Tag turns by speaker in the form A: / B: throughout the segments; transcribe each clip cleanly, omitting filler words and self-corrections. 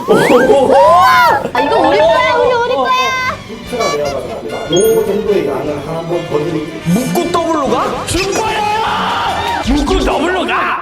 A: 아, 이거 우리 거야, 우리 거야.
B: 울트라 레어가 나옵니다. 요 정도의 양을 한번 더 드릴게요.
C: 묶고 더블로 가? 슈퍼야! 묶고 더블로 가!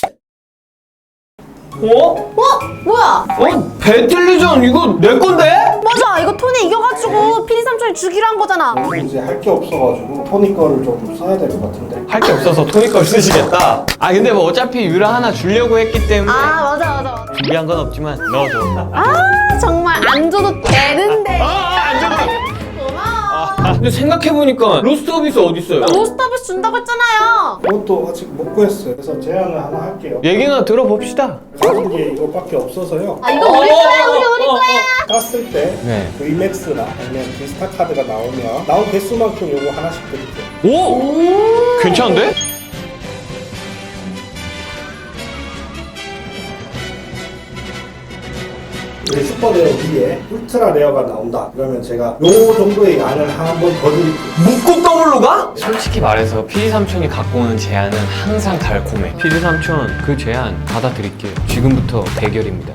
A: 뭐야?
C: 배틀리전 이거 내 건데?
A: 맞아, 이거 톤이 이겨가지고 피디 삼촌이 주기로 한 거잖아.
B: 이제 할 게 없어가지고 토니 거를 좀 써야 될 것 같은데.
C: 할 게 없어서 토니 걸 쓰시겠다. 아 근데 뭐 어차피 유라 하나 주려고 했기 때문에
A: 아, 맞아.
C: 준비한 건 없지만 넣어줘.
A: 아, 정말 안 줘도 되는데.
C: 안 줘도
A: 고마워.
C: 근데 생각해보니까 로스트 서비스 어딨어요?
A: 로스터비스 준다고 했잖아요.
B: 그것도 아직 못 구했어요. 그래서 제안을 하나 할게요.
C: 얘기나 들어봅시다.
B: 가진 게 이거밖에 없어서요.
A: 아, 이거 우리 거야, 우리 거야.
B: 땄을 때
C: 네.
B: VMAX나 아니면 비스타 카드가 나오면 나온 개수만큼 요거 하나씩 드릴게요.
C: 오! 괜찮은데?
B: 우리 슈퍼레어 위에 울트라 레어가 나온다. 그러면 제가 요 정도의 양을 한 번 더 드릴게요.
C: 묶고 더블로 가? 솔직히 말해서 피디 삼촌이 갖고 오는 제안은 항상 달콤해. 피디 삼촌 그 제안 받아드릴게요. 지금부터 대결입니다.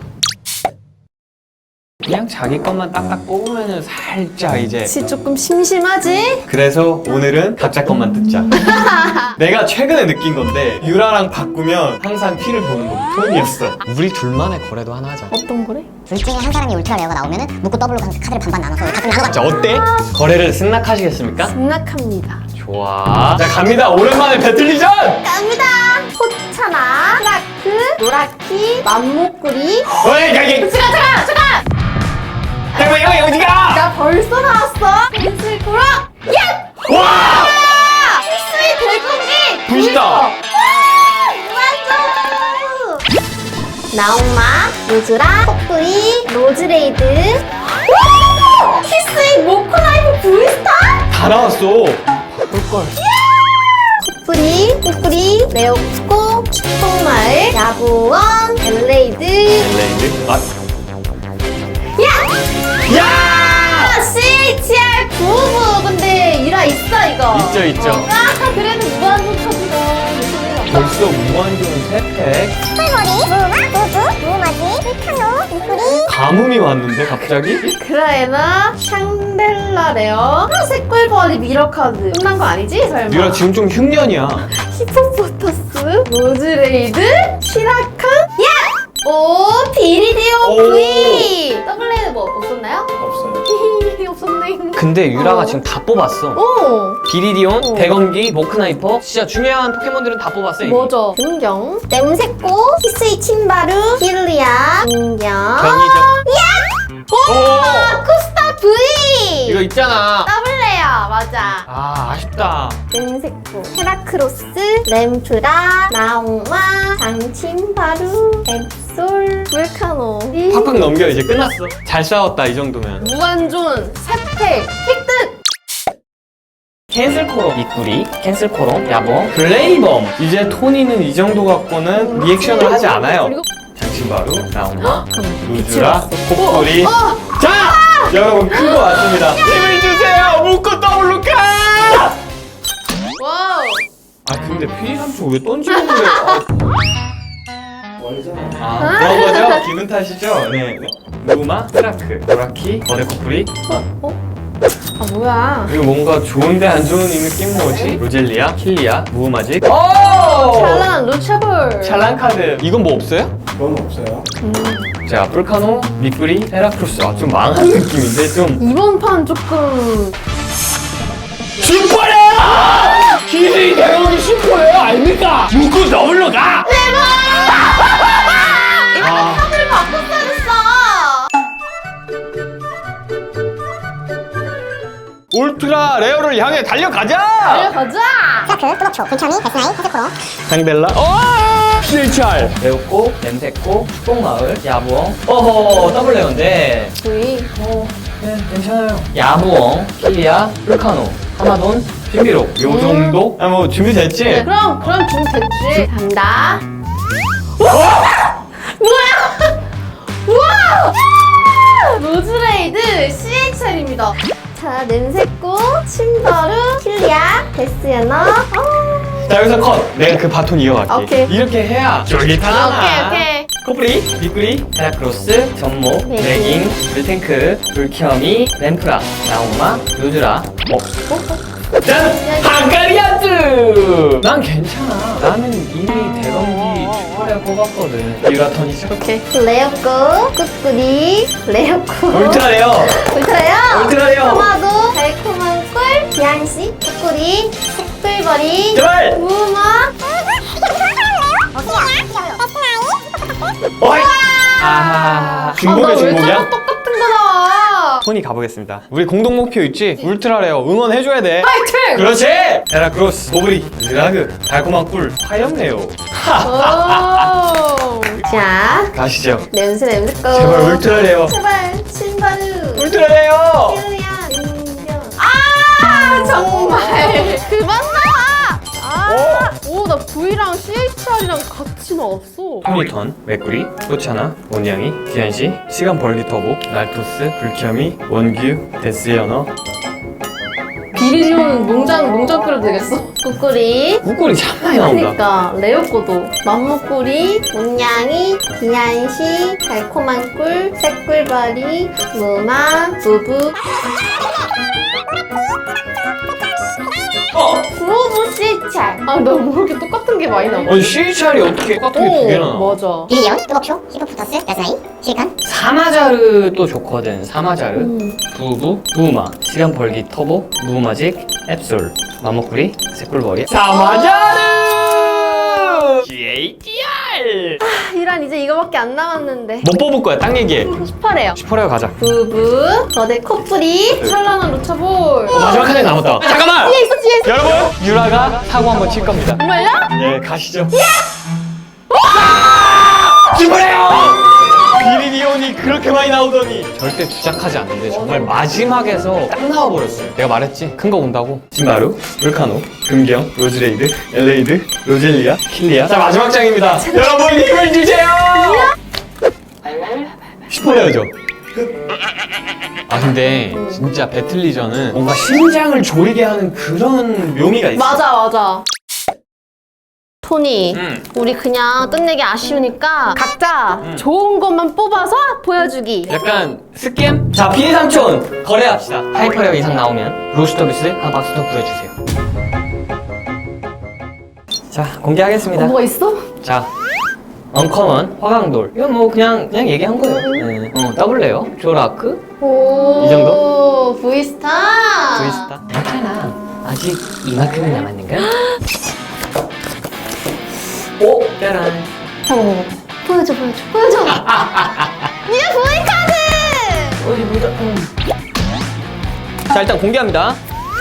C: 그냥 자기 것만 딱딱 뽑으면은 살짝 이제
A: 혹시 조금 심심하지?
C: 그래서 오늘은 각자 것만 듣자. 내가 최근에 느낀 건데 유라랑 바꾸면 항상 피를 보는 거 톤이었어. 우리 둘만의 거래도 하나 하자.
A: 어떤 거래?
D: 둘 중에 한 사람이 울트라 레어가 나오면은 묶고 더블로 카드를 반반 나눠서 같은 하나
C: 자 어때? 거래를 승낙하시겠습니까?
A: 승낙합니다.
C: 좋아. 자 갑니다. 오랜만에 배틀리전!
A: 갑니다. 포차나, 크라크, 노라키, 맘모꾸리.
C: 어이 가기!
A: 잠깐!
C: 잠깐만 이거 어디가?
A: 나 벌써 나왔어. 펜슬 코라. 예!
C: 와!
A: 필수의 대공기.
C: 부시다.
A: 맞아. 나옹마, 로즈라, 코프이, 로즈레이드. 와! 필수의 모코나이프 브이스타.
C: 다 나왔어. 볼걸.
A: 코프리, 레오쿠코, 축복마을, 야구원, 벨레이드.
C: 레이드. 아.
A: 야!
C: 야!
A: CHR 999. 근데 유라 있어 이거.
C: 있죠.
A: 아, 그래도 무한도 카드가.
C: 벌써 무한정 3팩.
D: 털머리, 무마, 로즈, 무마지, 힐카노, 미꾸리
C: 가뭄이 왔는데 갑자기?
A: 그라에나, 샹델라 레어, 색깔벌이 미러 카드. 끝난 거 아니지 설마?
C: 유라 지금 좀 흉년이야.
A: 히포포터스, 로즈레이드, 시라칸, 야! 오, 비리디오
C: 오.
A: V. 더블레이드 뭐 없었나요?
B: 없어요.
A: 없었네.
C: 근데 유라가 지금 다 뽑았어.
A: 오.
C: 비리디온,
A: 어.
C: 대건기, 모크나이퍼. 진짜 중요한 포켓몬들은 다 뽑았어. 이미.
A: 뭐죠? 공경, 냄새꽃, 히스이 침바루, 힐리아, 공경.
C: 경이죠.
A: 오! 쿠스타 V!
C: 이거 있잖아.
A: 더블레어, 맞아.
C: 아 아쉽다.
A: 냄새꽃, 헤라크로스, 램프라, 나옹마, 장침바루, 앱솔, 불카노.
C: 팍팍 넘겨 이제 끝났어. 잘 싸웠다 이 정도면.
A: 무한존, 세팩, 획득!
C: 캔슬코로 미꾸리, 캔슬코로 야봉, 블레이범. 이제 토니는 이 정도 갖고는 리액션을 하지 않아요.
A: 그리고
C: 장신바루, 나온마,
A: 빛이
C: 루즈라,
A: 왔어.
C: 코뿔이. 자! 여러분 큰 거 왔습니다. 힘을 주세요! 묶고 더블로 가!
A: 와우!
C: 아 근데 피디 삼촌 왜 던지는 거예요?
B: 월잖아.
C: 아 그런 거죠? 기분 탓이죠? 네. 루마, 트라크, 노라키, 거대 코뿔이.
A: 아, 뭐야.
C: 이거 뭔가 좋은데 안 좋은 이 느낌 뭐지? 로젤리아, 킬리아, 무흐마직. 오!
A: 찰란, 루차볼.
C: 찰란 카드. 이건 뭐 없어요?
B: 그건 없어요.
C: 자, 풀카노, 미꾸리, 헤라크로스. 아, 좀 망한 느낌인데 좀.
A: 이번 판 조금.
C: 슈퍼야! 기술이 대박이 슈퍼예요, 아닙니까? 묶고 더블로 가!
A: 이번
C: 아.
A: 카드를 바꿨어야 됐어!
C: 울트라 레어를 향해 달려가자!
A: 달려가자!
D: 크라크, 뚜벅초, 불켜미, 베스나이, 헤드코로
C: 상델라. CHR. 레오코, 냄새코, 축복마을, 야부엉. 어허, 더블 레어인데.
A: V.
C: 네, 괜찮아요. 야부엉, 킬리아, 풀카노, 하마돈, 신비록. 요 정도? 아, 뭐 준비됐지?
A: 네, 그럼 준비됐지. 간다. 뭐야? 우와! 로즈레이드 CHR입니다. 자, 냄새꽃, 침더루, 킬리아, 베스야너.
C: 자, 여기서 컷. 내가 그 바톤 이어갈게.
A: 오케이.
C: 이렇게 해야 쫄깃하잖아.
A: 오케이.
C: 코프리, 빅구리, 헤라크로스, 전모, 레깅, 물탱크, 불켜미, 램프라, 나오마, 루드라. 짠! 방가리아즈! 난 괜찮아. 나는 이미 대검기 슈퍼레어 뽑았거든. 유라턴이죠?
A: 오케이. 레어코, 꾸꾸리, 레어코.
C: 울트라레어!
A: 울트라요?
C: 울트라레어!
A: 토마도, 달콤한 꿀, 비안씨, 꾸꾸리, 색불버리,
C: 제발!
A: 무마.
C: 어이! 아하.
A: 왜
C: 중복이야, 중복이야?
A: 자꾸 똑같은 거 나와?
C: 토니 가보겠습니다. 우리 공동 목표 있지? 울트라레어 응원해줘야 돼.
A: 파이팅!
C: 그렇지! 헤라크로스, 모브리, 르라그, 달콤한 꿀, 화염레오.
A: 오. 자,
C: 가시죠.
A: 냄새 거.
C: 제발 울트라레어.
A: 제발, 신바루.
C: 울트라레어!
A: 큐야, 인정. 아, 정말. 그만 나와! 아, 오, 나 V랑 CHR이랑 같이 나왔어.
C: 토니턴, 맥구리, 소차나, 온양이, 디안시, 시간 벌기 터보, 날토스, 불켜미, 원규, 데스연어.
A: 비리리오는 농장 끓여도 되겠어. 꾸꾸리.
C: 꾸꿀이 참 많이 나온다.
A: 그러니까 레오코도 맘무꾸리, 온양이, 비안시, 달콤한 꿀, 새꿀바리, 무마, 부부. 부부 CHR. 아, 나 모르게 똑같은 게 많이 나와.
C: 아니 CHR이 어떻게 똑같은 게 두 개나 나와?
A: 맞아.
D: 빌리언, 뜨겁쇼, 히포푸터스, 야스나이, 실간,
C: 사마자르 또 좋거든. 사마자르, 부부, 부마, 시간 벌기 터보, 무마직, 앱솔, 마모쿠리, 새꿀머리. 사마자르! CHR!
A: 이란 이제 이거밖에 안 남았는데.
C: 못 뽑을 거야. 딱 얘기해.
A: 18회요.
C: 슈퍼레어 가자.
A: 부부, 거대 코프리, 찬란한 루차볼.
C: 마지막 한 장 남았다. 잠깐만!
A: 뒤에 있어, 뒤에 있어.
C: 여러분, 유라가 사고 한번 칠 겁니다.
A: 정말요?
C: 예, 가시죠. 슈퍼레어! 비리디온이 그렇게 많이 나오더니 절대 주작하지 않는데 정말 마지막에서 딱 나와버렸어요. 내가 말했지? 큰 거 온다고. 신바루, 울카노, 금경, 로즈레이드, 엘레이드, 로젤리아, 킬리아. 자, 마지막 장입니다. 여러분 힘을 주세요! 슈퍼레어죠? 아 근데 진짜 배틀리전은 뭔가 심장을 졸이게 하는 그런 묘미가 있어.
A: 맞아. 토니,
C: 응.
A: 우리 그냥 끝내기 아쉬우니까 각자 좋은 것만 뽑아서 보여주기.
C: 약간 스캠? 자, 피디 삼촌 거래합시다. 하이퍼레어 이상 나오면 로스터비스 한 박스 더 부여주세요. 자, 공개하겠습니다.
A: 뭐가 있어?
C: 자, 언커먼, 화강돌. 이건 뭐 그냥 얘기한 거예요. 네. 더블레어, 조라크,
A: 오,
C: 이 정도?
A: V스타.
C: 브이스타. 괜찮아. 아직 이만큼은 남았는가? 오, 짜란.
A: 보여줘. 니가 V카드!
C: 어디 보자. 자, 일단 공개합니다.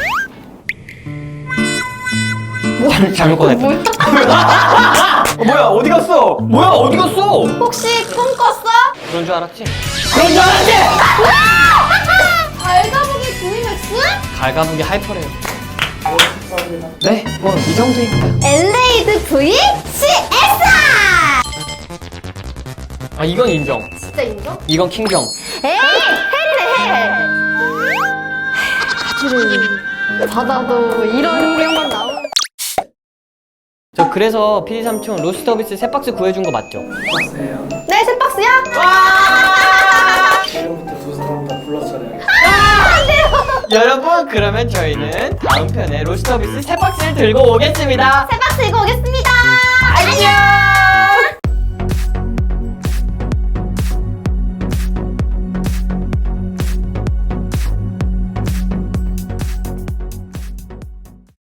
C: 잘못 꺼냈다. 뭐야, 어디 갔어?
A: 혹시 꿈꿨어?
C: 그런 줄 알았지? 그런 줄 알았지?
A: 발가복이 V맥스?
C: 갈가분기 하이퍼래요. 네, 뭐 이 정도입니다.
A: 엘레이드 V CS!
C: 아, 이건 인정.
A: 진짜 인정?
C: 이건 킹정.
A: 에이! 헬이네 헬! 받아도 이런 경우만 나오는.
C: 저 그래서 PD 삼촌 로스터비스 세 박스 구해준 거 맞죠?
A: 네, 세 박스야?
B: 지금부터 두 사람 다 불러차려야겠다.
C: 여러분, 그러면 저희는 다음 편에 로스터비스 세 박스를 들고 오겠습니다.
A: 세 박스 이거 오겠습니다.
C: 안녕!